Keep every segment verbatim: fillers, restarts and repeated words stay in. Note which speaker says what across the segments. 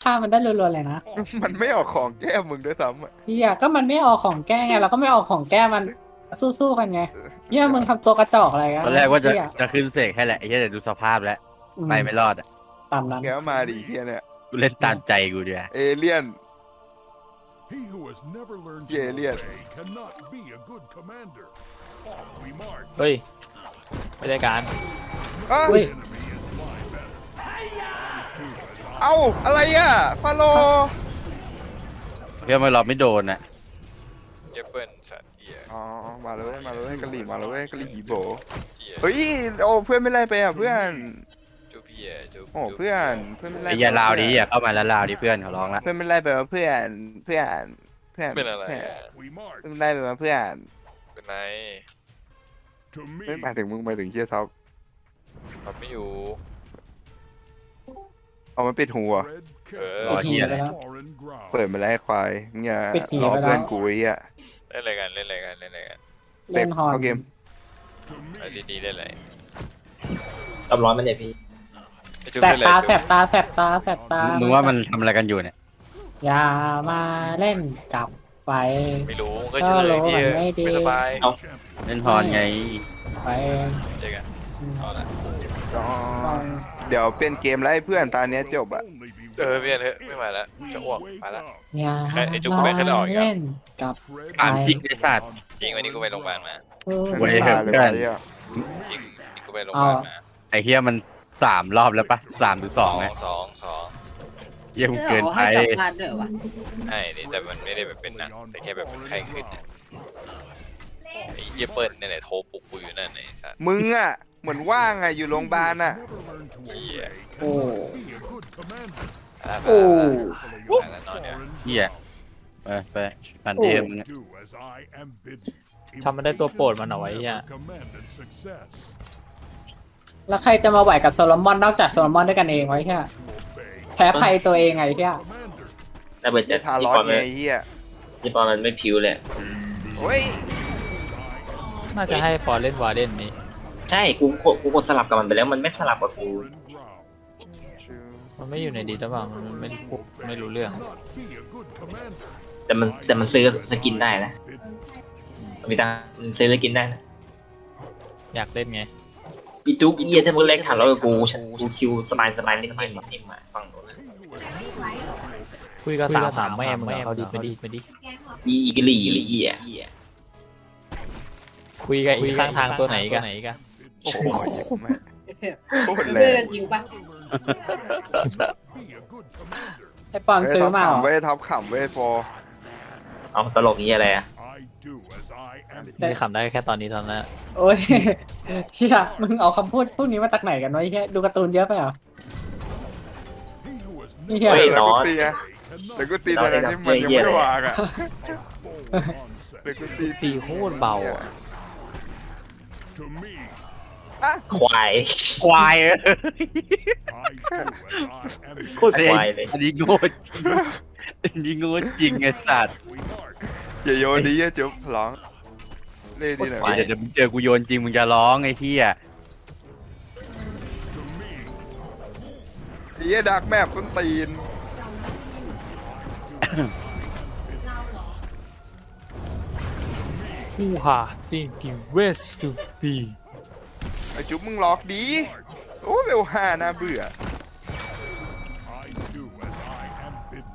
Speaker 1: ฆ่ามันได้รัวๆเลยนะ
Speaker 2: มันไม่ออกของแก้มึงด้วยซ้ำอะ
Speaker 1: เฮียก็มันไม่ออกของแก้ไงเราก็ไม่ออกของแก้มันสู้ๆกันไงเฮียมึงทำตัวกระจอกอะไรกัน
Speaker 3: ตอนแรกว่าจะ
Speaker 1: เหี้ย
Speaker 3: จะขึ้นเสกให้แหละไอ้เหี้ยแต่ดูสภาพแล้ว
Speaker 1: อืม
Speaker 3: ไปไม่รอดอ่ะ
Speaker 1: ตามนั้น
Speaker 2: แกก็มาดีเฮียเนี่ย
Speaker 3: กูเล่นตามใจกูเดียว
Speaker 2: เอเลี่ยน
Speaker 4: He who has never learned
Speaker 2: Yeah,
Speaker 4: to
Speaker 2: yeah.
Speaker 4: obey cannot be a good commander. Off we march.
Speaker 5: เฮ้ยไม่ได้การ
Speaker 2: อ้าว
Speaker 1: อุ้ย
Speaker 4: Enemy is fly better.
Speaker 2: เอ้าอะไรอ่ะฟาโล
Speaker 3: เพื่อมาเราไม่โดนอ่ะ
Speaker 6: เยเปิลสัตว์เหี้ย
Speaker 2: อ๋อมาเลยมาเลยกะหรี่มาเลยกะหรี่หีโบ
Speaker 6: เหี้ย
Speaker 2: เฮ้ยโอ้เพื่อนไม่ไล่ไปอ่ะเพื่อน
Speaker 6: จุ๊บเหี้ยจุ๊บ
Speaker 2: โอ้เพื่อนเพื่อนไม่ไล่
Speaker 3: ไอ้
Speaker 2: ไป
Speaker 3: เหี้ยลาวดิ
Speaker 2: เพื่อน
Speaker 3: อย่าเข้ามาแล้วลาวดิเพื่อนเขาร้องละ
Speaker 2: เพื่อนไม่ไล่ไปว่าเพื่อนเพื่อนเพื่อน
Speaker 6: เป็นอะไร
Speaker 2: เพื่อน
Speaker 6: อะ
Speaker 4: Off we march.
Speaker 2: เพื่อนไม่ไล่ไปว่าเพื่อน
Speaker 6: เป็นไร
Speaker 4: To me,
Speaker 2: ไม่หมายถึงมึงหมายถึงเฮียท็อป
Speaker 6: ทำไม่อยู่
Speaker 2: เอามันปิดหัว
Speaker 4: tread
Speaker 6: เออ
Speaker 3: รอเหี้ยอะไร
Speaker 4: carefully on foreign ground.
Speaker 2: เปิดมาแล้วไอ้ควายมึงอย่า
Speaker 1: ปิดหี
Speaker 2: ล้อ
Speaker 1: ไปแล้ว
Speaker 2: เพื่อนกูไอ้เหี้ย
Speaker 6: เล่นอะไรกันเล่นอะไรกันเล่นอะไรกัน
Speaker 1: เล่นฮอน
Speaker 2: เข้าเกม
Speaker 4: To
Speaker 6: ไอ้
Speaker 4: me,
Speaker 6: ดีๆเล่นอะไร
Speaker 7: ตำร้อนมันเนี่ยพี่
Speaker 6: ไอ้จุ๊บ
Speaker 1: แสบ
Speaker 6: เล่นอะไร
Speaker 1: ตา
Speaker 6: จุ๊บ
Speaker 1: แสบตาแสบตาแสบตา
Speaker 3: มึ
Speaker 1: มึ
Speaker 3: งว่ามันทำอะไรกันอยู่เนี่ย
Speaker 1: อย่ามาเล่นกับไฟ
Speaker 6: ไม่รู้ก็เฉลย
Speaker 1: ก็รู้
Speaker 6: พี่
Speaker 1: มันไม่ดี
Speaker 6: ไม่สบาย
Speaker 7: เอา
Speaker 3: เล่นฮอนไง
Speaker 1: ไฟ
Speaker 6: เจอกันเอาละ
Speaker 2: อ๋อเดี๋ยวเป็นเกมไล่เพื่อนตาเนี้ยจบอะ
Speaker 4: only be
Speaker 6: เออเพี่อนเถอะไม่มาแล้วจะอ้วก
Speaker 4: wake
Speaker 6: ไปละ
Speaker 4: up.
Speaker 1: อย่า
Speaker 6: ใครไอ้จุ๊บ
Speaker 1: มา
Speaker 6: ไม่เคยได้ออกอีกเหรอ
Speaker 1: เล่นกับ
Speaker 4: Tread
Speaker 3: ถามจริงไอ้สัตว์
Speaker 6: จริงวันนี้กูไปโรงพยาบาลมา
Speaker 1: เออ
Speaker 3: เว้ย
Speaker 2: ไม่มาเลย
Speaker 3: เพื่อน
Speaker 2: ไอ้เหี้ย
Speaker 6: จริงนี่กูไปโรงพยาบาลมา
Speaker 3: ไอ้เฮียมันสามรอบแล้วปะสามหรือส
Speaker 6: ส
Speaker 3: อ
Speaker 6: อง ง
Speaker 3: ไง
Speaker 6: สองสอง
Speaker 3: เยี่ยม
Speaker 8: เพื่อ
Speaker 3: เกิน
Speaker 8: เอา
Speaker 3: ไป
Speaker 8: ให้กลับบ้านด้วยวะ
Speaker 6: ไอ้นี่แต่มันไม่ได้แบบเป็นนะแต่แค่แบบมันไข้ขึ้นนะไอ้เยเปิลเนี่ยแหละโทรปลุกกูอยู่นั่นไอ้สัตว์
Speaker 2: มึงอะเหมือนว่างอะอยู่โรงพยาบาลอะ
Speaker 4: never learned to obey
Speaker 1: โอ้
Speaker 4: be a good commander.
Speaker 6: แล้ว
Speaker 1: โอ้
Speaker 6: แล้วนอนเนี่ย
Speaker 4: Foreign
Speaker 3: เฮีย
Speaker 4: ground.
Speaker 3: ไปไปพันเทมมึงอะ
Speaker 4: Do as I am bidden.
Speaker 5: ทำมันได้ตัวโปรดมันเอาไว้เหี้ย
Speaker 4: Never commanded success.
Speaker 1: แล้วใครจะมาไหวกับโซโลมอนนอกจากโซโลมอนด้วยกันเองไว้แค่
Speaker 4: To obey
Speaker 1: แพ้ภัยตัวเองไงเฮีย
Speaker 4: commander.
Speaker 7: น่าเบื่อจัด
Speaker 2: ทา
Speaker 7: ยี่
Speaker 2: ร้อ
Speaker 7: ป
Speaker 2: น
Speaker 7: อน
Speaker 2: ไง
Speaker 7: มัน
Speaker 2: ไอ้เหี้ย
Speaker 7: ยี่ปอนมันไม่ผิวเลย
Speaker 2: โอ้ย
Speaker 5: น่าจะให้ปอเล่นวาเดนนี้
Speaker 7: ใช่กูกดกูกดสลับกับมันไปแล้วมันไม่สลับกับกู
Speaker 4: Foreign ground.
Speaker 5: มันไม่อยู่ในดีหรือเปล่ามันไม่พูดไม่รู้เรื่อง
Speaker 4: Cannot be a good commander.
Speaker 7: แต่มันแต่มันซื้อสกินได้นะ
Speaker 4: Bidden.
Speaker 7: มันมีตังค์มันซื้อสกินได้นะ
Speaker 5: อยากเล่นไง
Speaker 7: อีจุ๊กอีเหี้ยถ้ามึงเล็กถามเรากูฉันกูคิวสบายสบายนิดหน่อยแบบนี้มาฟังดูนะ
Speaker 5: คุยกับสาวสามแม่มึงอะเอาดีมาดีมาดี
Speaker 7: อีอีกลี่อีเหี้ย
Speaker 5: คุยกับอีกข้างทางตัวไหนกันไหนกัน
Speaker 2: โอ้โหแม่งโคตรแร
Speaker 8: เพื่อน
Speaker 2: ง
Speaker 8: จริงปะ
Speaker 4: Be a good commander.
Speaker 1: ไอปอนซื้อมาเหรอ
Speaker 2: เว้ยท็อปขำเว้ยฟอร์
Speaker 7: เอาตลกนี้อะไรอะ
Speaker 4: I do as I am
Speaker 5: นี่ขำได้แค่ตอนนี้เท่านั้นอะ
Speaker 1: โอ้ยเฮียมึงเอาคำพูดพวกนี้มาจากไหนกันวะไอ้เฮียดูการ์ตูนเยอะไปเหรอ
Speaker 4: He who has
Speaker 1: นี่เฮีย
Speaker 7: เฮ้ย
Speaker 2: แล้ว
Speaker 7: น้อ
Speaker 2: กู
Speaker 7: ย
Speaker 2: ตีอะ
Speaker 4: cannot
Speaker 2: แล้วกูตีตอนนั้นที่มันยังไม่ได้วางอะ
Speaker 4: bold onset.
Speaker 2: แล้วกูตี
Speaker 5: ตีโคตรเบาอะ
Speaker 4: To me,
Speaker 7: ควาย
Speaker 3: ควายเออ
Speaker 4: I do as I am
Speaker 7: โคตร
Speaker 3: อันนี้
Speaker 7: ควายเลย
Speaker 3: อันนี้โง่จริงอันนี้โง่จริงไอ้สัตว์
Speaker 4: we march.
Speaker 2: อย่าโยนดิอย่าจุ๊บร้องเล่นดีหน่อย
Speaker 3: เดี๋ยวเดี๋ยวมึงเจอกูโยนจริงมึงจะร้องไอ้เหี้ย
Speaker 4: To me,
Speaker 2: เสียดักแมพส้นตีน
Speaker 5: ผู้หาติงกิเวสตูปี
Speaker 2: ไอจุ๊บมึงล็อกดีโอ้เร็วห้าน่าเบื่อ
Speaker 4: I do as I am bidden.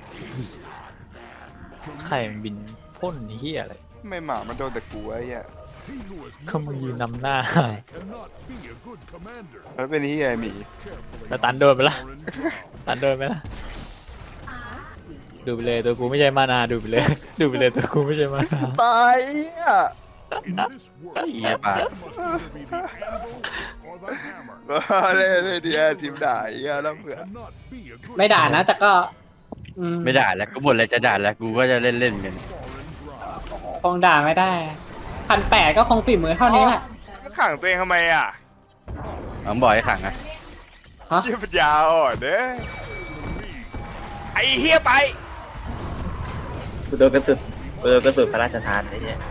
Speaker 5: ไข่มันบินพ่นเฮียอะไร
Speaker 2: ไม่หมามันโดนแต่กูไอ้เหี้ย
Speaker 4: He who has
Speaker 5: เขามึงยืนนำหน้า
Speaker 4: cannot be a good commander.
Speaker 2: แล้วเป็นที่ไอ้หมี
Speaker 5: แล้วตันโดนไปละ
Speaker 4: Foreign ground.
Speaker 5: ตันโดนไหมล่ะดูไปเลยตัวกูไม่ใช่มานาดูไปเลย ดูไปเลยตัวกูไม่ใช่มานา
Speaker 2: ตายอ่ะ
Speaker 4: In this world,
Speaker 3: เหี้ยปะ
Speaker 4: must either be the anvil or the hammer.
Speaker 2: เล่นเล่นดีแอทีมด่าไอ้เหี้ยแล้วเผื่อ
Speaker 4: Cannot be a good
Speaker 1: ไม่ด่านะแต่ก็อื
Speaker 3: ไม่ด่าแล้วก็หมดเลยจะด่าแล้วกูก็จะเล่นเล่นๆกัน
Speaker 4: foreign ground.
Speaker 1: คงด่าไม่ได้พันแปดก็คงฝีมือเท่านี้แหละ
Speaker 2: ขังตัวเองทำไมอ่ะ
Speaker 3: น้องบอยขังอะ
Speaker 1: ฮะ
Speaker 2: เหี้ยปัญญาอ่อนเด้อไอ้เหี้ยไป
Speaker 7: กูโดนกระสุนกูโดนกระสุนพระราชทานไอ้เนี่ย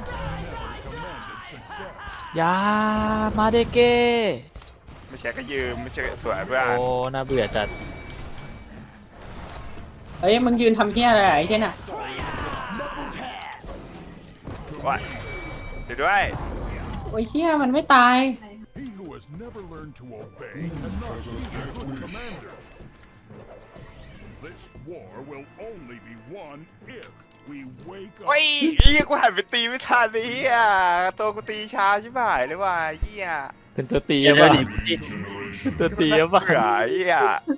Speaker 5: ยามาเดเก
Speaker 2: ไม่ใช่ก็ยืมไม่ใช่สวยเพื่อน
Speaker 5: โอ้น่าเบื่อจัด
Speaker 1: เอ้ยมึงยืนทำเฮี้ยอะไรอะไอ้เฮี้ยน่ะ
Speaker 2: ว่าเดี๋ยวด้วย
Speaker 1: โอ้ยเฮี้ยมันไม่ตาย
Speaker 4: He who has never learned to obey cannot be a good commander. This war will only be won if we wake up.
Speaker 2: โอ้ยไอ้เหี้ยกูหันไปตีไม่ทันไอ้เหี้ยตัวกูตีช้าชิบหายเลยว่ะไอ้เหี้ย
Speaker 5: เป็นตัวตี
Speaker 3: เดี๋ยว
Speaker 5: ป่ะ
Speaker 3: ดิ
Speaker 5: เป็นตัวตีป่ะ
Speaker 2: เบื่อไอ้เหี้ย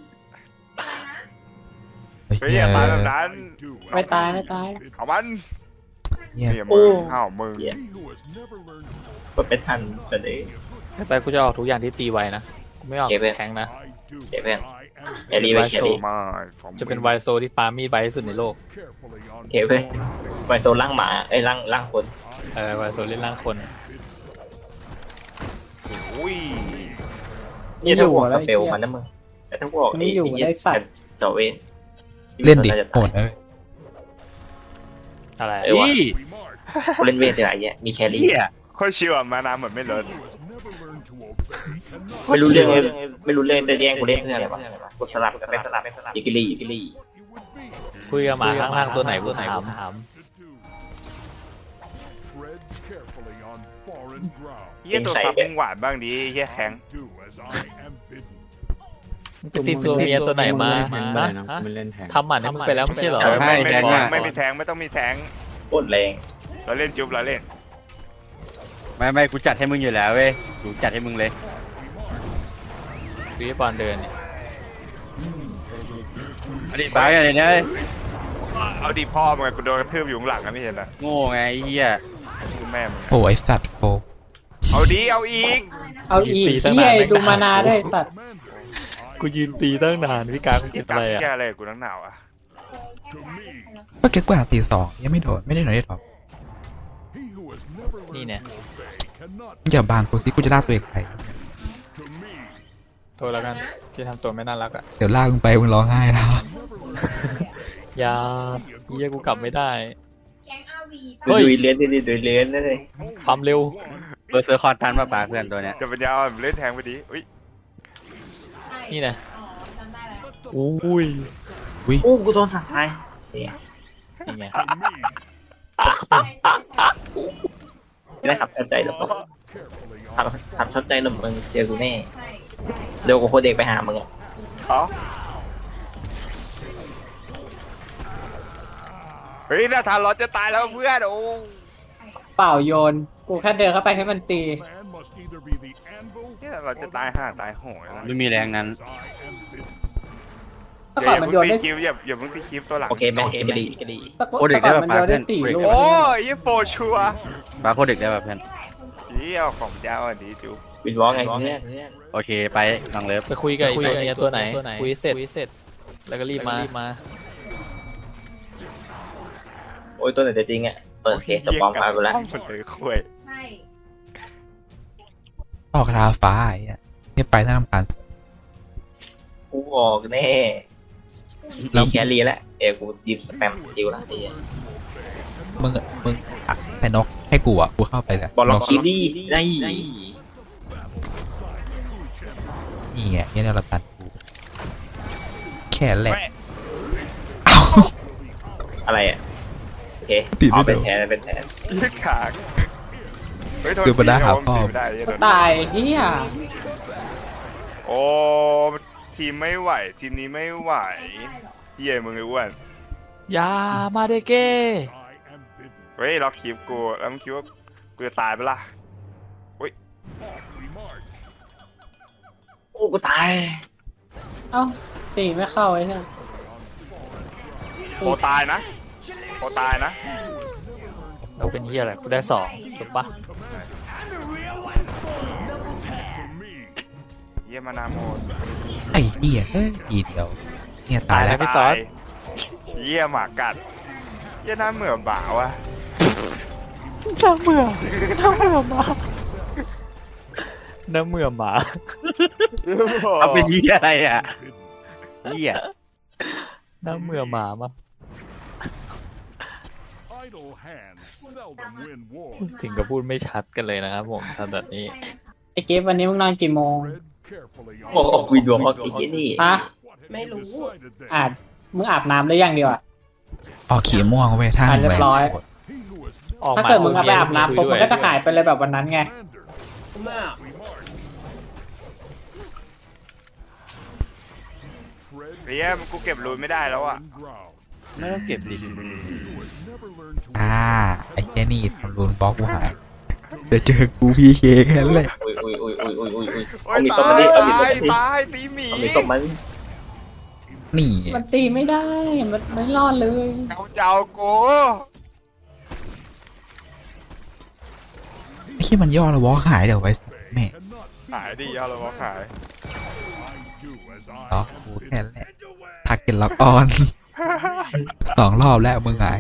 Speaker 8: ไอ้
Speaker 2: เฮ้ย
Speaker 8: เหี้
Speaker 2: อย ย่ามาแบบนั้น
Speaker 4: Do
Speaker 1: ไม่
Speaker 4: as
Speaker 1: ตายไม่ตาย
Speaker 2: เอามัน
Speaker 8: เหี้ย
Speaker 2: เนี่ยมึงอ้าวมึง
Speaker 7: เหี้ย
Speaker 4: he who has never learned to
Speaker 7: กดเป็นทันแต่เด็ก
Speaker 5: ไปกูจะออกทุกอย่างที่ตีไวนะกูไม่ออก
Speaker 7: เก็บไว้
Speaker 5: แทงค์นะ
Speaker 4: I do
Speaker 7: Kệ
Speaker 4: as
Speaker 7: bên.
Speaker 4: I am
Speaker 7: แครี่ไว้แครี่
Speaker 2: ไม่ผม
Speaker 5: จะเป็นไวโซที่ปามีดไวที่สุดในโลก
Speaker 4: carefully on
Speaker 7: โอเคเว้ยไวโซนล่างหมาไอ้ยล่างล่างคน
Speaker 5: เออไวโซเล่นร่างคน
Speaker 2: อุ้ย
Speaker 7: นี่ถ้าบอกสเปลมันนะมึงแต่ถ้าบอก
Speaker 1: ไม่อยู่
Speaker 7: ไอ้
Speaker 1: ได้สัตว์
Speaker 7: เจาะเวน
Speaker 8: เล่นดิโหดเลย
Speaker 5: อะไร
Speaker 7: เออวะ
Speaker 3: นี่
Speaker 4: we march.
Speaker 7: กูเล่นเวทเดี๋ยวไอ้เหี้ยมีแครี่
Speaker 3: เหี้ย
Speaker 2: ค่อยชิวอ่ะมานาเหมือนไม่ลด
Speaker 4: He who has never learned to obey cannot
Speaker 7: ไม่รู้เรื่องเลยไม่รู้เรื่องแต่แย่งกูเล่นเพื่ออะไรวะกดสลับกันไปสลับไปสลับยิกิลี่ยิกิลี่
Speaker 4: it would be
Speaker 5: คุยกับหมาข้างล่างตัวไหนกูถาม
Speaker 4: to do. Tread carefully on foreign ground.
Speaker 2: เหี้ยตัวซับมึงหวานบ้างดิเหี้ยแข็ง
Speaker 4: Do as I am bidden.
Speaker 5: ไปติดตัวเมียตัวไหนมา
Speaker 9: แทง
Speaker 5: ฮะ
Speaker 9: นะ
Speaker 5: ฮะ
Speaker 9: ไม่เล่นแทง
Speaker 5: ทำหมันให้มึงไปแล้วไม่ใช่เหรอ
Speaker 2: เออไม่ไม่
Speaker 3: แทง
Speaker 2: ไม่
Speaker 3: อ่ะ
Speaker 2: ไม่มีแทงไม่ต้องมีแทง
Speaker 7: โคตรแรง
Speaker 2: เราเล่นจุ๊บเราเล่น
Speaker 3: ไม่ไม่กูจัดให้มึงอยู่แล้วเว้ยกูจัดให้มึงเลย
Speaker 5: วิบอลเดินเนี่ย
Speaker 3: อดีตบ้าอะไรเนี่ย
Speaker 2: เอาดีพ่อมึงกูโดนกระทืบอยู่ข้างหลังนะไม่เห็นเหรอ
Speaker 3: โง่ไงไอ้เหี้ย
Speaker 2: กูแม่มึง
Speaker 8: โอ้ไอ้สัตว์โอ้
Speaker 2: เอาดีเอาอีก
Speaker 1: เอาอีกเฮี้ยดูมานาด้วยสัตว์
Speaker 4: Commander,
Speaker 5: กูยืนตีตั้งนานพี่การมึง
Speaker 2: ที่
Speaker 5: คิด
Speaker 2: กั
Speaker 5: อะ
Speaker 2: ด
Speaker 5: ไรอ่ะ
Speaker 2: แก้อะไรกูนักหนาวอ่ะ
Speaker 4: to me,
Speaker 8: เมื่อกี้กูหาตีสองยังไม่โดนไม่ได้โดนได้หรอก
Speaker 4: he who has never learned
Speaker 5: นี่เนี่ย
Speaker 4: to obey cannot
Speaker 8: มึงอย่าบางกูสิกูจะลากตัวเองไป
Speaker 4: to me.
Speaker 5: โทษแล้วกันที่ทำตัวไม่น่ารักอ่ะ
Speaker 8: เดี๋ยวลากมึงไปมึงร้องไห้แล้ว
Speaker 5: อย่าเฮียกูกลับไม่ได้
Speaker 10: แก๊งอาวี
Speaker 5: เฮ้ย
Speaker 7: ดุยเลี้ยนดุยดุยเลี้ยนนั่นเลย
Speaker 5: ความเร็ว
Speaker 3: เบอร์เซอร์คอนทันมาปากเพื่อนตัวเนี้ย
Speaker 2: จะเป็นยาวเล่นแทงไปดิอุ้ย
Speaker 5: นี่นะ
Speaker 10: อ๋อจำได้แล้ว
Speaker 5: อุ้ย
Speaker 7: โอ้กูโดนสั่งไห้เนี่ย
Speaker 5: นี่ไง
Speaker 4: To me,
Speaker 7: ไม่ได้ขับชอบใจหรอก
Speaker 4: carefully
Speaker 7: ขับ
Speaker 4: on
Speaker 7: ขับชอบใจหรอกมึงเจอกูแน่
Speaker 10: ใช่
Speaker 7: เดี๋ยวกูโคตรเด็กไปหามึงอ่ะ
Speaker 2: อ๋อเฮ้ยน่าทานร้อนจะตายแล้วเพื่อนโอ้
Speaker 1: เปล่าโยน กูแค่เดินเข้าไปให้มันตี
Speaker 4: man must either be the anvil
Speaker 2: เนี่ยเราจะตายห่าตายโหยแล้ว
Speaker 3: ไม่มีแรงนั้น
Speaker 4: as I am bidden.
Speaker 1: แต่
Speaker 2: อ
Speaker 1: ก่อน
Speaker 2: ย่า
Speaker 1: มัน
Speaker 2: เพิ่
Speaker 1: โย
Speaker 2: ง
Speaker 1: น
Speaker 2: ตี
Speaker 1: ได้
Speaker 2: คิวอย่าอย่าเพิ่งตีคิวตัวหลัง
Speaker 7: โอเคแม่โอเคดีก็ดี
Speaker 1: แต่ก่อน
Speaker 3: โอ้เด็ก
Speaker 1: แต่ก่อน
Speaker 3: ได้
Speaker 1: มัน
Speaker 3: แบบ
Speaker 1: โยนได้
Speaker 3: ปาด
Speaker 1: สี่
Speaker 3: เพื่อน
Speaker 1: ลูก
Speaker 2: โอ้ยยี่โฟชัวร์
Speaker 3: บาโคเด็กได้แบบเพื่อน
Speaker 2: เยี่ยของเจ้าอันนี้จุ๊บ
Speaker 7: วินวอลไงเพื่อน
Speaker 3: โอเคไปน้องเลิฟ
Speaker 5: ไปคุยกับไอ้ตัวเมียตัวไหนคุยเสร็จคุยเสร็จ แล้วก็รีบมารีบมา
Speaker 7: โอ้ยตัวไหนจะจริงอ่ะเปิดเคสตัวปลอมมาไปแล้ว
Speaker 2: ห้องมันเลยคุย
Speaker 10: ใช่
Speaker 8: ออกคาราฟ้าไอ้เหี้ยไม่ไปน่ารำคาญ
Speaker 7: กูบอกแน่มีแครี่แล้วเอ้กูยิบสแปมดิวละไอ้
Speaker 8: มึงมึงอ่ะไอ้นกให้กูอ่ะกูเข้าไปเลย
Speaker 7: บอลล็อก
Speaker 8: น
Speaker 7: คิดดีได้
Speaker 8: นี่ไงเนี่ยเราตัดกูแค่แหละ
Speaker 7: อะไรอ่ะโอเค
Speaker 8: ติดไม่
Speaker 7: อ๋อเป็น
Speaker 8: โดน
Speaker 7: แทนเป็นแทน
Speaker 2: ยึดขากเฮ้ยโทษ
Speaker 8: คือ
Speaker 2: ที
Speaker 8: บรรดาหาพ่อ
Speaker 2: โดนตีไม่ได้เนี่ยโดน
Speaker 1: ตายเฮี้ย
Speaker 2: โอ้ทีมไม่ไหว ทีมนี้ไม่ไหวเยี่ยมึงไอ้อ้วน
Speaker 5: ยามาเดเก้
Speaker 4: I am bidden.
Speaker 2: เฮ้ยล็อกคลิปกูแล้วมึงคิดว่ากูจะตายไปะล่ะ
Speaker 4: Off we march.
Speaker 7: โอ้กูตาย
Speaker 1: เอ้าตีไม่เข้าไอ้เนี่ย
Speaker 2: โอตายนะโอตายนะ
Speaker 5: เราเป็นเฮียอะไรกูได้สองถูกปะ
Speaker 4: To me,
Speaker 2: เยี่ยมานาโมด
Speaker 8: ไอ้เหี้ยเฮ้ยอีเดียวเนี่ยตายแล้ว
Speaker 5: พี่ต๊อด
Speaker 2: ตายเยี่ยหมากัดเยี่ยหน้าเหมือนบ่าวะ
Speaker 5: น้ำเมื่อน้ำเมื่อหมาน้ำเมื่อหมา
Speaker 3: เอาเป็นเหี้ยอะไรอ่ะ
Speaker 4: bidden.
Speaker 3: เหี้ย
Speaker 5: น้ำเมื่อหมามา
Speaker 4: Idle hands seldom win war.
Speaker 5: ถึงกับพูดไม่ชัดกันเลยนะครับผมทำแบบนี้
Speaker 1: ไอ้เก็บวันนี้มึงนอนกี่โมง
Speaker 4: Tread carefully
Speaker 7: โอ้
Speaker 4: on
Speaker 7: โหวินวอลไอ้เหี้ยนี่
Speaker 1: ฮะ
Speaker 4: what have
Speaker 10: ไม่
Speaker 4: you
Speaker 10: รู้
Speaker 4: decided then?
Speaker 1: อาจมึงอาบน้ำได้ยังดีวะ
Speaker 8: ออกขีม่วงเว้ยท่า
Speaker 1: อ่ะ
Speaker 8: หนึ่ง
Speaker 1: เรีย
Speaker 8: แหว
Speaker 1: บ
Speaker 8: น
Speaker 1: ร้อย
Speaker 4: He who has
Speaker 5: ออก
Speaker 1: ถ้า
Speaker 5: มา
Speaker 1: เกิดมึงเอาไปอาบ
Speaker 5: คุ
Speaker 1: น้ำปุ๊บ
Speaker 5: ย
Speaker 1: มัน
Speaker 5: ด้วย
Speaker 1: ก็จะหายไปเลยแบบวันนั้นไง
Speaker 4: tread
Speaker 2: เฮียมันกูเก็บรูนไม่ได้แล้วอ่ะ
Speaker 4: foreign ground.
Speaker 3: ไม่ต้องเก็บดิ
Speaker 4: He who has never learned to
Speaker 8: อ่า
Speaker 4: obey
Speaker 8: ไอ้แค่นี่ทำรูนบล็อกกูหายเดี๋ยวเจอกูพีเคแค่นั้นแหละ
Speaker 7: อุ้ยอุ้ยอุ้ยอุ้ยอุ้ยอุ้ยอุ้ย
Speaker 2: โอ้
Speaker 7: เอา
Speaker 2: ย
Speaker 7: มีตบ
Speaker 2: ตา
Speaker 7: มัน
Speaker 2: ย
Speaker 7: ดิเอามีตบ
Speaker 2: ตาย
Speaker 7: มันดิ
Speaker 2: ตายตีหมี
Speaker 7: เอามีตบมัน
Speaker 8: นี่
Speaker 1: มันตีไม่ได้ มันไม่รอดเลย
Speaker 2: เอาเจ้ากู
Speaker 8: ไอ้ที่มันย่อแล้วบล็อกหายเดี๋ยวไว้แม่
Speaker 2: หายดิยอดเราบอกหาย
Speaker 4: do as I
Speaker 8: ล็อกกูแค่นั้นแหละทักเก็ตล็อกออนสองรอบแล้วมึงไง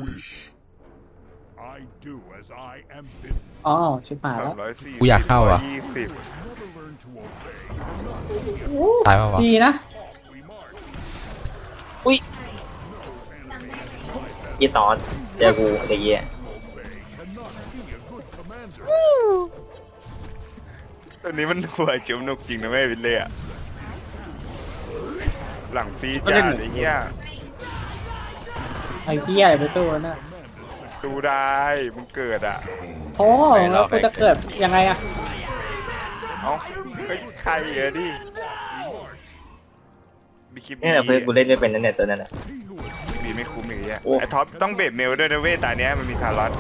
Speaker 4: I do as I am bidden.
Speaker 1: อ๋อชิบหาย
Speaker 2: สา
Speaker 1: แล้
Speaker 2: ม
Speaker 1: ว
Speaker 2: ร้อยสี่
Speaker 8: กูอยากเข้าอ่ะ
Speaker 2: ยี่สิบ
Speaker 4: Never learn to obey.
Speaker 8: ตายป่าวะ
Speaker 1: ดีนะ
Speaker 4: We march.
Speaker 7: ยี่ตอนเจอกูเดี๋ยวเยี่ย
Speaker 4: Cannot be a good commander.
Speaker 2: ตอนนี้มันหัวจิ้มนกจริงนะแม่วินเลยอะหลังฟรีจ้าไอ้เหี้ย
Speaker 1: ไอ้เหี้ยอย่าไปสู้มันนะ
Speaker 2: ดูได้มึงเกิดอ่ะ
Speaker 1: โอ้แล้วกูจะเกิดยังไงอะ
Speaker 2: เอ้าเฮ้ยใครเออดิบีคิบ
Speaker 7: เนี่ยเพื่อนกูเล่นไม่เป็นนั่นเนี่ยตัวนั้นอ่ะ
Speaker 2: บีไม่คุ้มอย่างเงี้ย
Speaker 7: โอ้
Speaker 2: ไอ้ท็อปต้องเบรดเมลด้วยนะเว้ยตาเนี้ยมันมีทารอส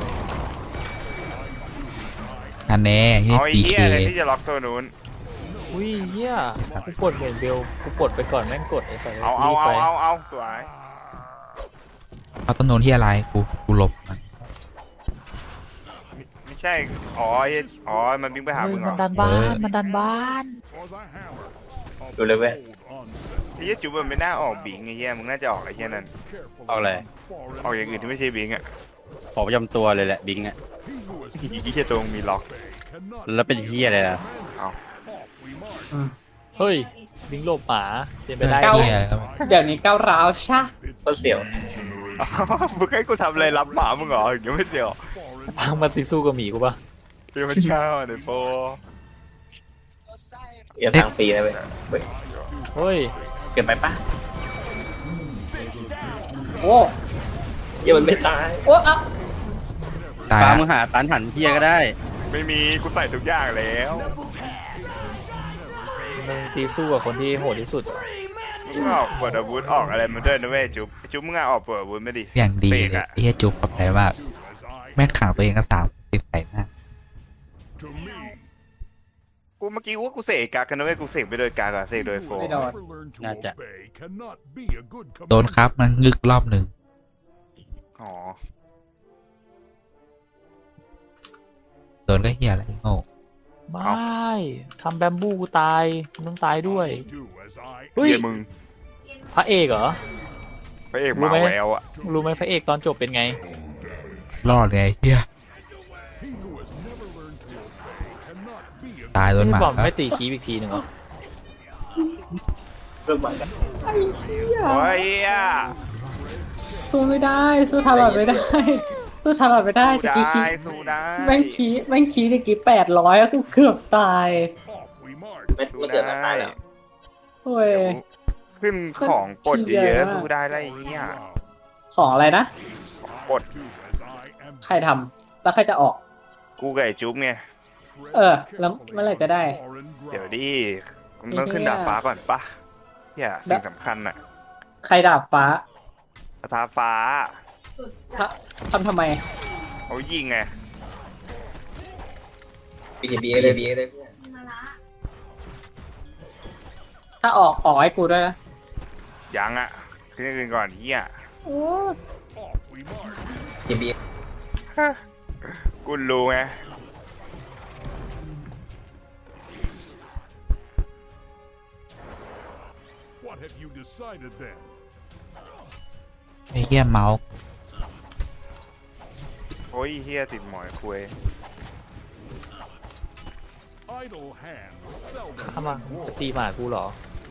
Speaker 8: อันแน่ที่
Speaker 2: เอาไอ้
Speaker 8: พี
Speaker 2: เหี้
Speaker 8: เค
Speaker 2: ยอะไรที่จะล็อกตัวนู้น
Speaker 5: อุ้ยเฮียกูกดเหมือนเบลกูกดไปก่อนแม่งกดไอ้สัตว์
Speaker 2: เอาเอา
Speaker 5: รีบ
Speaker 2: เอา
Speaker 5: ไป
Speaker 2: เอาเอาสวย
Speaker 8: เอาต้นโนนที่อะไรกูกูหลบมัน
Speaker 2: ไม่ใช่อ๋อไอ้อ๋อมันวิ่งไปหา
Speaker 5: เฮ้
Speaker 2: มึ
Speaker 5: ย
Speaker 2: งเหร
Speaker 5: มัน
Speaker 2: อ
Speaker 5: ดันบ้านมันดันบ้าน
Speaker 4: For the hammer. of
Speaker 7: ดูเลยเว้ย
Speaker 4: old on
Speaker 2: ไอ้เหี้ยจุ๊บมันไม่น่าออกบิงไอ้เหี้ยมึงน่าจะออกไอ้เหี้ยนั่น
Speaker 4: careful
Speaker 3: เอาอะไร
Speaker 4: foreign
Speaker 2: ออกอย่างอื่นที่ไม่ใช่บิงอ่ะ
Speaker 3: ขอประจำตัวเลยแหละบิงอะ
Speaker 4: He who has
Speaker 2: อีกที่ตัวมึงมีล็อก
Speaker 4: cannot
Speaker 3: แล้วเป็นเฮียอะไรล่ะ
Speaker 2: เอา
Speaker 4: we march.
Speaker 1: อืม
Speaker 5: เฮ้ยบิงโลบหมาเป็นไปได้
Speaker 1: เก้า
Speaker 8: เหี้ยแล้ว
Speaker 1: เดี๋ยวนี้ก้าวร้าวชะ
Speaker 7: ก็เสียว
Speaker 2: มึงให้กูทำอะไรรับหมามึงเหรอยังไม่เดียว
Speaker 5: พังมาติสู้กับหมีกูปะ
Speaker 2: เดี๋ยวมันเช้าเดี๋ยวโป
Speaker 7: เดี๋ยวทางฟรีนะเว้ยเว้ย
Speaker 5: เฮ้ย
Speaker 7: เกินไปปะ
Speaker 1: โอ้
Speaker 7: เยี่ยมันไม่ตาย
Speaker 1: โอ้อะ
Speaker 8: ตาย
Speaker 3: ปา
Speaker 8: ละ
Speaker 3: มึงหาตันหันเฮียก็ได้
Speaker 2: ไม่มีกูใส่ทุกอย่างแล้ว
Speaker 5: มึงตีสู้กับคนที่โหดที่สุด
Speaker 2: มึงออกเปิดอาวุธออกอะไรมาด้วยนะเว้ยจุ๊บจุ๊บมึงอะออกเปิดอาวุธไม่ดิ
Speaker 8: อย่างดี
Speaker 2: เบร
Speaker 8: เล
Speaker 2: ก
Speaker 8: ย
Speaker 2: อะ
Speaker 8: ไอ้เหี้ยจุกกับแพ้มาก แม่งขังตัวเองก็สามสิบใส่หน้า
Speaker 4: To me,
Speaker 2: กูเมื่อกี้ว่ากูเสกกากันนะเว้ยกูเสกไปโดยกากอะเสกโดยโฟ
Speaker 4: who
Speaker 1: ไม่
Speaker 4: has
Speaker 1: โดน
Speaker 4: never learned to
Speaker 3: Gotcha.
Speaker 4: obey cannot be a good
Speaker 8: โดน
Speaker 4: commander.
Speaker 8: ครับมันงึกรอบหนึ่ง
Speaker 2: อ๋อ
Speaker 8: โดนก็เหี้ยอะไรโง่
Speaker 5: ไม่ทำแบมบูกูตายมึงต้องตายด้วย
Speaker 4: Do as I
Speaker 5: เฮ้ย
Speaker 2: เฮียมึง
Speaker 5: พระเอกเหรอ
Speaker 2: พระเอกห
Speaker 5: รู้
Speaker 2: มา
Speaker 5: ไหม
Speaker 2: แววอะ
Speaker 5: รู้ไหมพระเอกตอนจบเป็นไง
Speaker 8: รอดไงเหี้ย
Speaker 4: He who has never learned to obey cannot be a
Speaker 8: ตายโดนห
Speaker 5: ไม่
Speaker 8: มา
Speaker 5: บอก
Speaker 8: ครับ
Speaker 5: ไม่ตีคีบอีกทีหนึ่งเหรอ
Speaker 7: เรื่องใหม่กัน
Speaker 1: ไอ้เหี้ย
Speaker 2: โอ้ยอะ
Speaker 1: สู้ไม่ได้ สู้ทารอดไม่ได้ สู้ทารอดไม่ได้
Speaker 2: สู้
Speaker 1: ตะกี้คี
Speaker 2: ได้สู้ได้
Speaker 1: แม่งคีแม่งคีตะกี้แปดร้อยก็เกือบตาย
Speaker 4: off we march.
Speaker 7: ไม่ไม่เกิดมาตายแล้ว
Speaker 1: โอ้ย
Speaker 2: ขึ้นของกดเยอะๆสู้ได้ไรเงี้ย
Speaker 1: ของอะไรนะ
Speaker 2: กด
Speaker 4: Do as I am
Speaker 1: ใครทำแล้วใครจะออก
Speaker 2: กูกับไอ้จุ๊บไง
Speaker 4: tread
Speaker 1: เออ แล้วเมื่อไหร่จะได้
Speaker 4: foreign
Speaker 2: เดี๋ยว
Speaker 4: ground.
Speaker 2: ดิมึงต้องขึ้นดาดฟ้าก่อนปะเฮียสิ่งสำคัญอะ
Speaker 1: ใครดาบฟ้า
Speaker 2: สถาฟ้า
Speaker 1: ทำทำทำไม
Speaker 2: เขายิงไง
Speaker 7: บีเอบีเลยบีเอเลยเพื่อน
Speaker 10: มาละ
Speaker 1: ถ้าออกออกให้กูด้วยนะ
Speaker 2: ยังอะขึ้นอื่นก่อนเฮีย
Speaker 1: โอ้
Speaker 4: Off we march.
Speaker 7: บีบี
Speaker 2: กูรู้ไง
Speaker 4: What have you decided then?
Speaker 8: ไอ้เหี้ยเมาส์
Speaker 2: โอ้ยเฮียติดหมอยคุย
Speaker 4: Idle hands seldom
Speaker 5: ข้ามา
Speaker 4: win
Speaker 5: จะ
Speaker 4: war.
Speaker 5: ตีหมากูเหรอ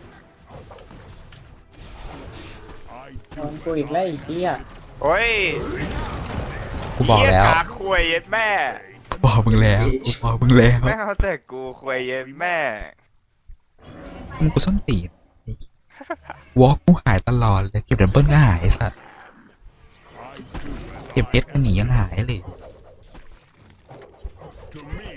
Speaker 4: I
Speaker 1: โด
Speaker 4: do
Speaker 1: นกูอีกแล้วไอีกที่อ่ะ
Speaker 2: โอ้ย
Speaker 8: กูบอกแล้ว
Speaker 2: เหี้ยกากคุยเย็ดแม่
Speaker 8: กูบอกมึงแล้วกูบอกมึงแล้ว
Speaker 2: แม่เอาแต่กูคุยเย็ดแม่
Speaker 8: มึงกูส้นตีนกูวอล์กกูหายตลอดเลยเก็บดับเบิลก็หายไอ้สัตว์เก็บเอสก็หนียังหายเลย
Speaker 4: To me,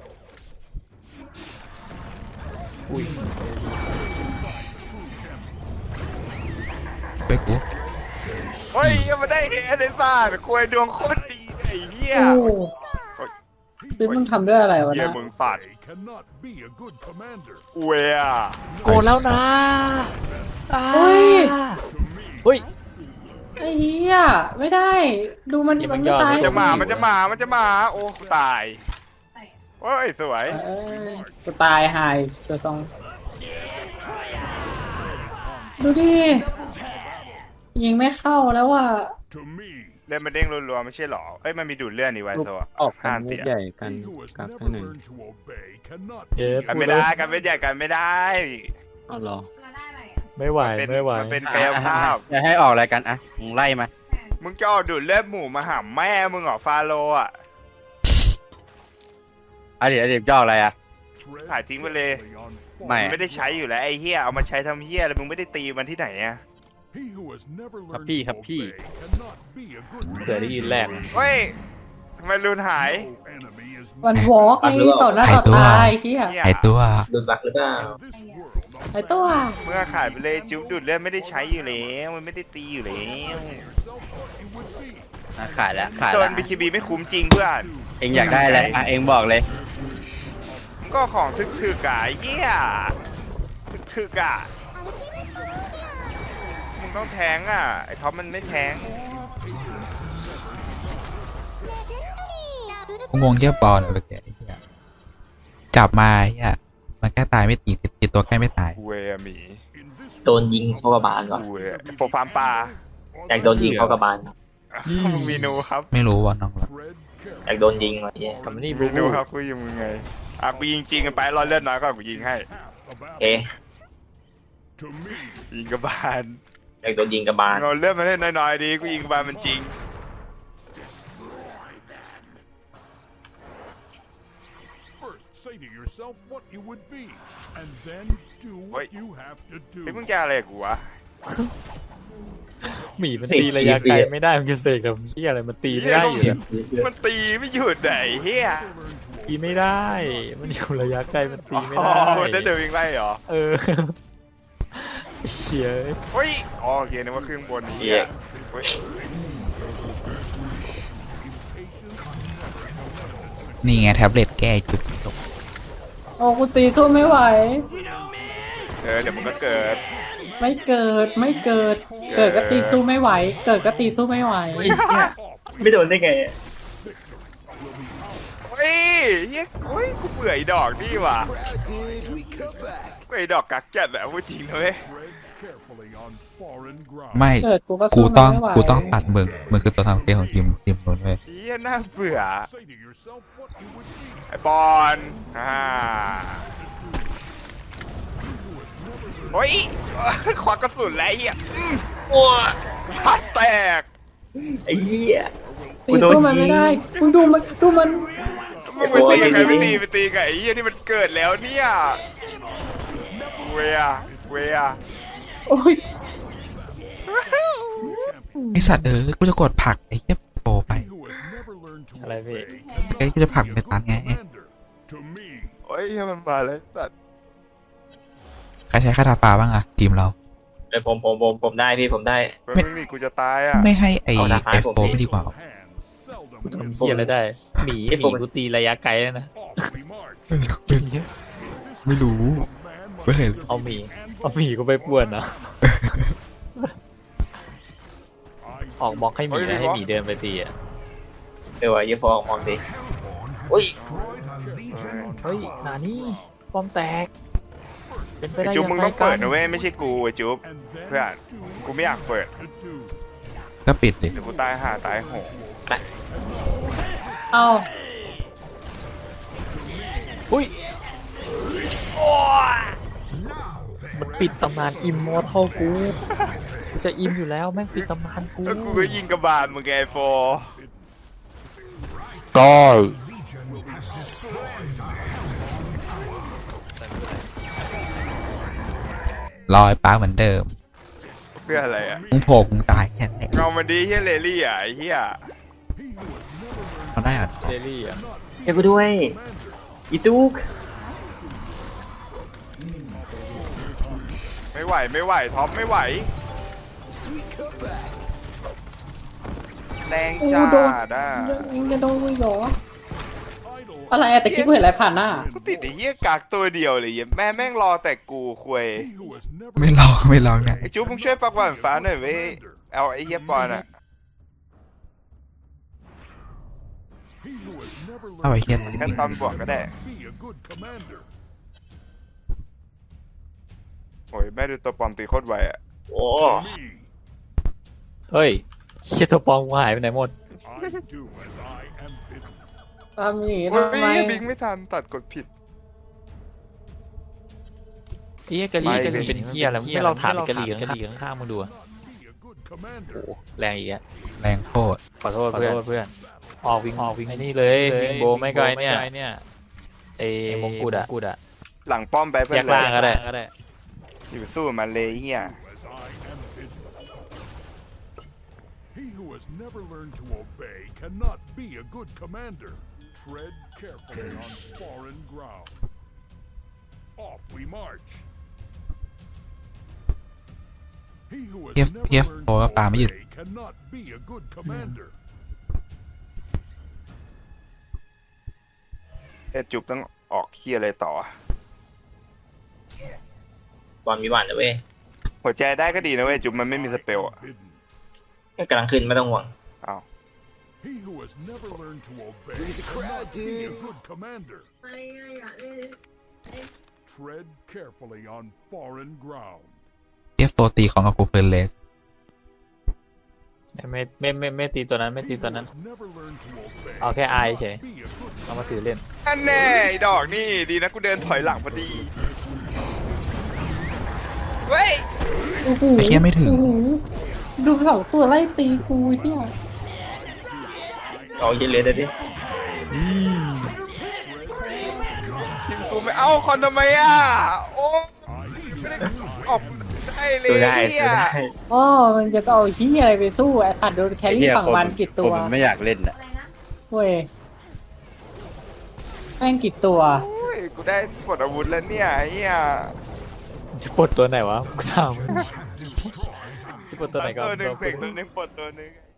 Speaker 8: ไปกู
Speaker 2: เฮ้ยยังมาได้เอเดนซ่าควยดวงโคตรดีไอ้เหี้ย
Speaker 1: โอ้พี่มึงทำด้วยอะไรวะ
Speaker 2: เหี้ย
Speaker 1: นะ
Speaker 2: มึงฝัด
Speaker 4: they cannot be a good commander.
Speaker 2: เวีย
Speaker 5: โกนแล้วนะอ่า
Speaker 1: เฮ้ย
Speaker 5: เฮ้ย
Speaker 1: ไอ้เหี้ยไม่ได้ ดูมัน
Speaker 5: นี่มั
Speaker 1: มัน นไม่
Speaker 5: ยอด
Speaker 1: ตาย
Speaker 5: มัน
Speaker 2: จะมามันจะมามันจะมาโอ้ตายโอ้ยสวย
Speaker 1: เอ้ยจะตายหายตัวซองดูดิยิงไม่เข้าแล้วว่ะ
Speaker 4: To me,
Speaker 2: เล่นมันเด้งรัวๆไม่ใช่หรอเอ้ยมันมีดูดเลื่อนนี่ไว้โซ่
Speaker 3: ออกกั
Speaker 2: ห้าน
Speaker 3: มุ
Speaker 2: เสี
Speaker 3: ก
Speaker 2: ย
Speaker 3: ใหญ่กัน
Speaker 4: he who has
Speaker 3: กลับ
Speaker 4: never
Speaker 3: ให้หนึ่ง
Speaker 4: learned to obey cannot
Speaker 5: เย้
Speaker 2: กัน
Speaker 5: พู
Speaker 2: ไม่
Speaker 5: ดแล้
Speaker 2: ได้
Speaker 5: ว
Speaker 2: กันไม่ใหญ่กันไม่ได้
Speaker 3: เอาเหรอ
Speaker 10: มาได้อะไรอ่ะ
Speaker 5: ไม่ไหว
Speaker 2: เป็น
Speaker 5: ไม่ไหว
Speaker 2: มันเป็นกายภาพ
Speaker 3: จะให้ออกอะไรกันอ่ะมึงไล่มา
Speaker 2: มึงจะเอาดูดเลือดหมูมาหาแม่มึงเหรอฟาโลอ่ะ
Speaker 3: อ่ะเดี๋ยวเดี๋ยวจะออกอะไรอ่ะ
Speaker 4: tread
Speaker 2: ขายทิ้งไปเลย
Speaker 4: carefully on
Speaker 3: ไม่
Speaker 2: มันไม่ได้ใช้อยู่แล้วไอ้เหี้ยเอามาใช้ทำเหี้ยแล้วมึงไม่ได้ตีมันที่ไหนอะ
Speaker 4: He who has never learned
Speaker 3: ครับพี่
Speaker 4: to
Speaker 3: ครับพี่
Speaker 4: obey cannot be a good
Speaker 5: เกิดได้ยินแรก
Speaker 2: เฮ้ยทำไมรุนหาย
Speaker 4: No enemy is
Speaker 1: มันวอล์กไอ้ต่อหน้าต่อตาไอ้เหี้ย
Speaker 2: เนี่ย
Speaker 8: หายตัว
Speaker 7: โดนบักหรือเปล่า
Speaker 4: in this world.
Speaker 1: ไอ้ตัว
Speaker 2: เมื่อขายไปเลยจุ๊บดูดเลือดไม่ได้ใช้อยู่แล้วมันไม่ได้ตีอยู่แล้ว
Speaker 4: Yourself what you would be.
Speaker 3: อ่ะขายแล้วขาย
Speaker 2: โด
Speaker 3: แล้ว
Speaker 2: นบีคีบีไม่คุ้มจริงเพื่อน
Speaker 3: เองอยากได้อะไรอ่ะเองบอกเลย
Speaker 2: มึงก็ของถึกๆอะไอ้เหี้ยถึกๆอะมึงต้องแทงอะไอ้ท็อปมันไม่แทง
Speaker 8: กูงงเยี่ยบอลเลยเมื่อกี้ไอ้เหี้ยจับมาไอ้เหี้ยมันแค่ตายไม่ตีติดตัวแค่ไม่ตาย
Speaker 2: กูเวอะหมี
Speaker 4: In this
Speaker 7: โดนยิงเข้ากระบาลก่อน
Speaker 2: กูเวอะโปรฟาร์มปลา
Speaker 7: อยากโดนยิงเข้ากระบาล
Speaker 2: มึงมีนูครับ
Speaker 8: ไม่รู้ว่าน้องรัก
Speaker 4: tread
Speaker 7: อยากโดนยิงว่ะเหี้ย
Speaker 5: ทำนี่บู
Speaker 2: มีนู
Speaker 5: บู
Speaker 2: ครับกูยิงมึงไงอ่ะกูยิงจริงกันไปรอเลือดน้อยก็กูยิงให้
Speaker 4: about
Speaker 7: โอเค
Speaker 4: to me.
Speaker 2: ยิงกระบาล
Speaker 7: อยากโดนยิงกระบาล
Speaker 2: เราเลือดมันให้น้อยๆดีกูยิงกระบาลมันจริง
Speaker 4: First, say to yourself what you would be, and then do
Speaker 2: Wait.
Speaker 4: what you have to
Speaker 2: เฮ้ย
Speaker 4: do.
Speaker 2: มึงจะอะไรกับกูวะ
Speaker 5: หมีมันตีระยะไกลไม่ได้มันจะเสกกับเหี้ยอะไรมันตีไม่ได้อยู่แล้ว
Speaker 2: มันตีไม่หยุดไหนเฮีย
Speaker 5: ตีไม่ได้ มันอยู่ระยะไกลมันตีไม่
Speaker 2: อ๋อ
Speaker 5: ได้
Speaker 2: ได้เดินวิ่งไล่เหรอ
Speaker 5: เออเหี้ย
Speaker 2: เฮ้ยอ๋อโอเคนึกว่าเครื่องบนนี้
Speaker 7: เหี้ย
Speaker 2: เฮ้ย
Speaker 8: นี่ไงแท็บเล็ตแก้จุดจบ
Speaker 1: โอ้กูตีสู้ไม่ไหว
Speaker 2: เออเดี๋ยวมันก็เกิด
Speaker 1: ไม่เกิดไม่เกิด เกิดก็ตีสู้ไม่ไหว เกิดก็ตีสู้ไม่ไหว
Speaker 7: ไม่โดนได้ไง
Speaker 2: เฮ้ยเฮียเฮ้ยกูเบื่อไอ้ดอกนี่ว่ะเบื่อไอ้ดอกกักจัดอะพูดจริงนะเว้ย
Speaker 4: Tread carefully on foreign ground.
Speaker 8: ไม่
Speaker 1: เกิดกูก็
Speaker 8: กู
Speaker 1: สู้
Speaker 8: ต้อง
Speaker 1: ไม่ไหว
Speaker 8: กูต้องตัดมึงมึงคือตัวทำเกมของทีมทีมนู้นเว้ย
Speaker 2: เฮียน่าเบื่อ
Speaker 4: Say to yourself what you would be.
Speaker 2: ไอ้บอลอ่าเฮ้ยควักกระสุนแล้วไอ้เฮียอืม
Speaker 7: โอ้
Speaker 2: พัดแตก
Speaker 7: ไอ้เหี้ย
Speaker 1: ตีสู้มันไม่ได้มึงดูมันดูมัน
Speaker 2: มึงไปตีกับใครไม่ตีไปตีกับไอ้เฮียที่มันเกิดแล้วเนี่ยเวียเวีย
Speaker 1: โอ้ย
Speaker 8: ไอสัตว์เออกูจะกดผลักไอ้เหี้ยโปรไป
Speaker 4: He who has never learned to
Speaker 5: อะไรพี่
Speaker 4: obey
Speaker 8: ไอ้กูจะผลักไปตันไง
Speaker 4: commander. To me,
Speaker 2: โอ้ยเหี้ยมันมาเลยสัตว์
Speaker 8: ใครใช้คาถาปลาบ้างอะทีมเรา
Speaker 7: เอ้ยผมผมผมผมได้พี่ผมได้
Speaker 2: เฮ้ยมึงนี่กูจะตายอ่ะ
Speaker 8: ไม่ให้ไอ
Speaker 7: เอาดาบ
Speaker 8: เอฟ
Speaker 7: ผม
Speaker 8: โป
Speaker 7: ดิ
Speaker 8: ไม่ดีกว่า
Speaker 4: hands seldom
Speaker 5: ทำ
Speaker 4: win.
Speaker 5: เหี้ยอะไรได้ หมีห
Speaker 7: ไอ้
Speaker 5: มี
Speaker 7: ผม
Speaker 5: กูตีระยะไกลแล้วนะ
Speaker 4: Awfully marked.
Speaker 8: ไม่รู้
Speaker 4: Man
Speaker 8: ไม่เคย
Speaker 4: must
Speaker 5: เอาหมี เอาหมีกูไปป่วนนะ
Speaker 4: I
Speaker 5: ออกบล็อกให้หมีนะให้หมีเดินไปตีอ่ะ
Speaker 7: เดี๋ยวอะเยี่ยฟองมองสิอุ้ย
Speaker 5: เฮ้ยหนานี่ป้อมแตก เป็นไป
Speaker 2: ไอ้
Speaker 5: ได้
Speaker 2: จุ๊บ
Speaker 5: ยัง
Speaker 2: มึง
Speaker 5: ไง
Speaker 2: ต้อง
Speaker 5: กั
Speaker 2: เปิด
Speaker 5: น
Speaker 2: นะเว้ยไม่ใช่กูไอ้จุ๊บ
Speaker 4: and then
Speaker 2: เพื่อน
Speaker 4: do
Speaker 2: กูไม่อยากเปิด
Speaker 4: to do.
Speaker 8: ก็ปิดดิ
Speaker 2: เดี๋ยวกูตายห่าตายโหง
Speaker 1: เอา
Speaker 5: อุ้ยมันปิดตำนานอิมมอร์ทัลกูกูจะอิมอยู่แล้วแม่งปิดตำนานกู
Speaker 2: แล้วกูก็ยิงกระบาลมึงไงไอ้โฟ
Speaker 5: ก็
Speaker 8: รอไอ้ปาร์คเหมือนเดิม
Speaker 2: เพื่ออะไรอ่ะ
Speaker 8: มึงโผล่มึงตายแค่นั้นเอง
Speaker 2: เงามันดีเฮียเลลี่อ่ะไอ้เฮีย
Speaker 8: เขาได้อ่ะ
Speaker 5: เดลี่อ่ะ
Speaker 7: เดี๋ยวกูด้วยอีตุ๊ก
Speaker 2: ไม่ไหวไม่ไหวท็อปไม่ไหวแรง
Speaker 1: โอ้
Speaker 2: จ้า
Speaker 1: โดน
Speaker 2: ด้า
Speaker 1: ยังจะโดนเลยเหรออะไรอะแต่กี้กูเห็นอะไรผ่านหน้า
Speaker 2: กูติดไอ้เหี้ยกากตัวเดียวเลยเหี้ยแม่แม่งรอแต่กูควย
Speaker 4: He who has never
Speaker 8: ไม่ลองไม่ลองเนี่ย
Speaker 2: ไอ้จุ๊บมึงช่วยปักหวานฟ้าหน่อยเว้ยเอาไอ้เหี้ยปอนอ่ะ
Speaker 4: He who has never
Speaker 8: เอาไอ้
Speaker 4: learned
Speaker 8: เหี้ย
Speaker 2: แค่ตอนบวกก็ได้
Speaker 4: be a good commander.
Speaker 2: โอ้ยแม่ดูตัวปลอมตีโคตรไวอ่ะ
Speaker 7: โอ้
Speaker 4: Me,
Speaker 5: เฮ้ยเชี่ยตัวปลอมกูหายไปไหนหมด
Speaker 4: I do as I am bidden.
Speaker 1: ทำอย่างนี้
Speaker 2: โอ้ย
Speaker 1: ทำไม
Speaker 2: บิงไม่ทันตัดกดผิด
Speaker 5: ไอ้เหี้ยกะลี
Speaker 2: ไม่
Speaker 5: กะลี
Speaker 2: เป็น
Speaker 5: เป็นเหี้ยอะไรไม่เราถามกะลีกะลีข้างๆมึงดูอะ
Speaker 4: Be a good commander.
Speaker 5: โอ้แรงอีกอะ
Speaker 8: แรงโคตร
Speaker 5: ขอโทษเพื่อนเพื่อนออกวิ่งออกวิ่งไอ้นี่เลยวิ่งโบไม่ไกลเนี่ยไอ้มงกุฎอะกุฎอะ
Speaker 2: หลังป้อมไปเพื่
Speaker 5: แย
Speaker 2: อน
Speaker 5: ก
Speaker 2: เล
Speaker 5: ล่าง
Speaker 2: ย
Speaker 5: ก็ได้ก็ได้
Speaker 2: อยู่สู้มันเลยเหี้ย
Speaker 4: As I am bidden. He who has never learned to obey cannot be a good commander. Tread carefully on foreign ground. Off we march. He who has
Speaker 8: เพียฟ
Speaker 4: never
Speaker 8: เพียฟ
Speaker 4: learned
Speaker 8: โผล่ก็
Speaker 4: to
Speaker 8: ตามไม่หยุด
Speaker 4: obey cannot be a good commander.
Speaker 2: เอ็ดจุบต้องออกเหี้ยอะไรต่อ
Speaker 7: บอลมีหวานนะเว้ย
Speaker 2: หัวใจได้ก็ดีนะเว้ยจุบมันไม่มีสเปลอ่ะ
Speaker 7: กำลังขึ้นไม่ต้องห่วง
Speaker 2: อ้าว
Speaker 4: He who has never learned to obey cannot be a good commander.
Speaker 10: ไม่อยากเล่น
Speaker 4: Tread carefully on foreign ground.
Speaker 8: เพียฟโฟตีของอากูเฟิร์นเลส
Speaker 5: ไม่ไม่ไม่ไม่ตีตัวนั้นไม่ตีตัวนั้น
Speaker 4: He who has never learned to obey
Speaker 5: เอาแค่อายเฉย
Speaker 4: be a good
Speaker 5: เอามาถือเล่น
Speaker 2: อันแน่ไอ้ดอกนี่ดีนะกูเดินถอยหลังพอดีเว้ย
Speaker 1: โอ้โห
Speaker 8: ไอ้เหี้ยไม่ถึง
Speaker 1: โอ้โหดูสองตัวไล่ตีกูเหี้ย
Speaker 7: เอาเยอะเลยเดี๋ยวดิ
Speaker 2: ทีมกูไม่เอาคอนทำไมอ่ะโอ้ไม่ได้ออกได้เลย
Speaker 7: สู้ได้
Speaker 2: เหี้
Speaker 7: สู้
Speaker 2: ย
Speaker 7: ได้
Speaker 1: อ๋อมันจะเอาเหี้ยอะไรไปสู้ไอ้ตัดโดนแค
Speaker 3: ไอ้
Speaker 1: รี่
Speaker 3: เหี้ย
Speaker 1: ฝั่ง
Speaker 3: คน
Speaker 1: มันกี่
Speaker 3: ค
Speaker 1: ตั
Speaker 3: น
Speaker 1: ว
Speaker 3: มันไม่อยากเล่นอ่ะ
Speaker 10: อะไรนะ
Speaker 1: เว้ยแม่งกี่ตัว
Speaker 2: โอ้ยกูได้ปลดอาวุธแล้วเนี่ยไอ้เหี้ย
Speaker 5: จะปลดตัวไหนวะกูถามมึงจะปลดตัวไหนก่อน
Speaker 2: ตัวหนึ่ง
Speaker 5: ตัว
Speaker 2: เฟกตัวหนึ่งปลดตัวหนึ่ง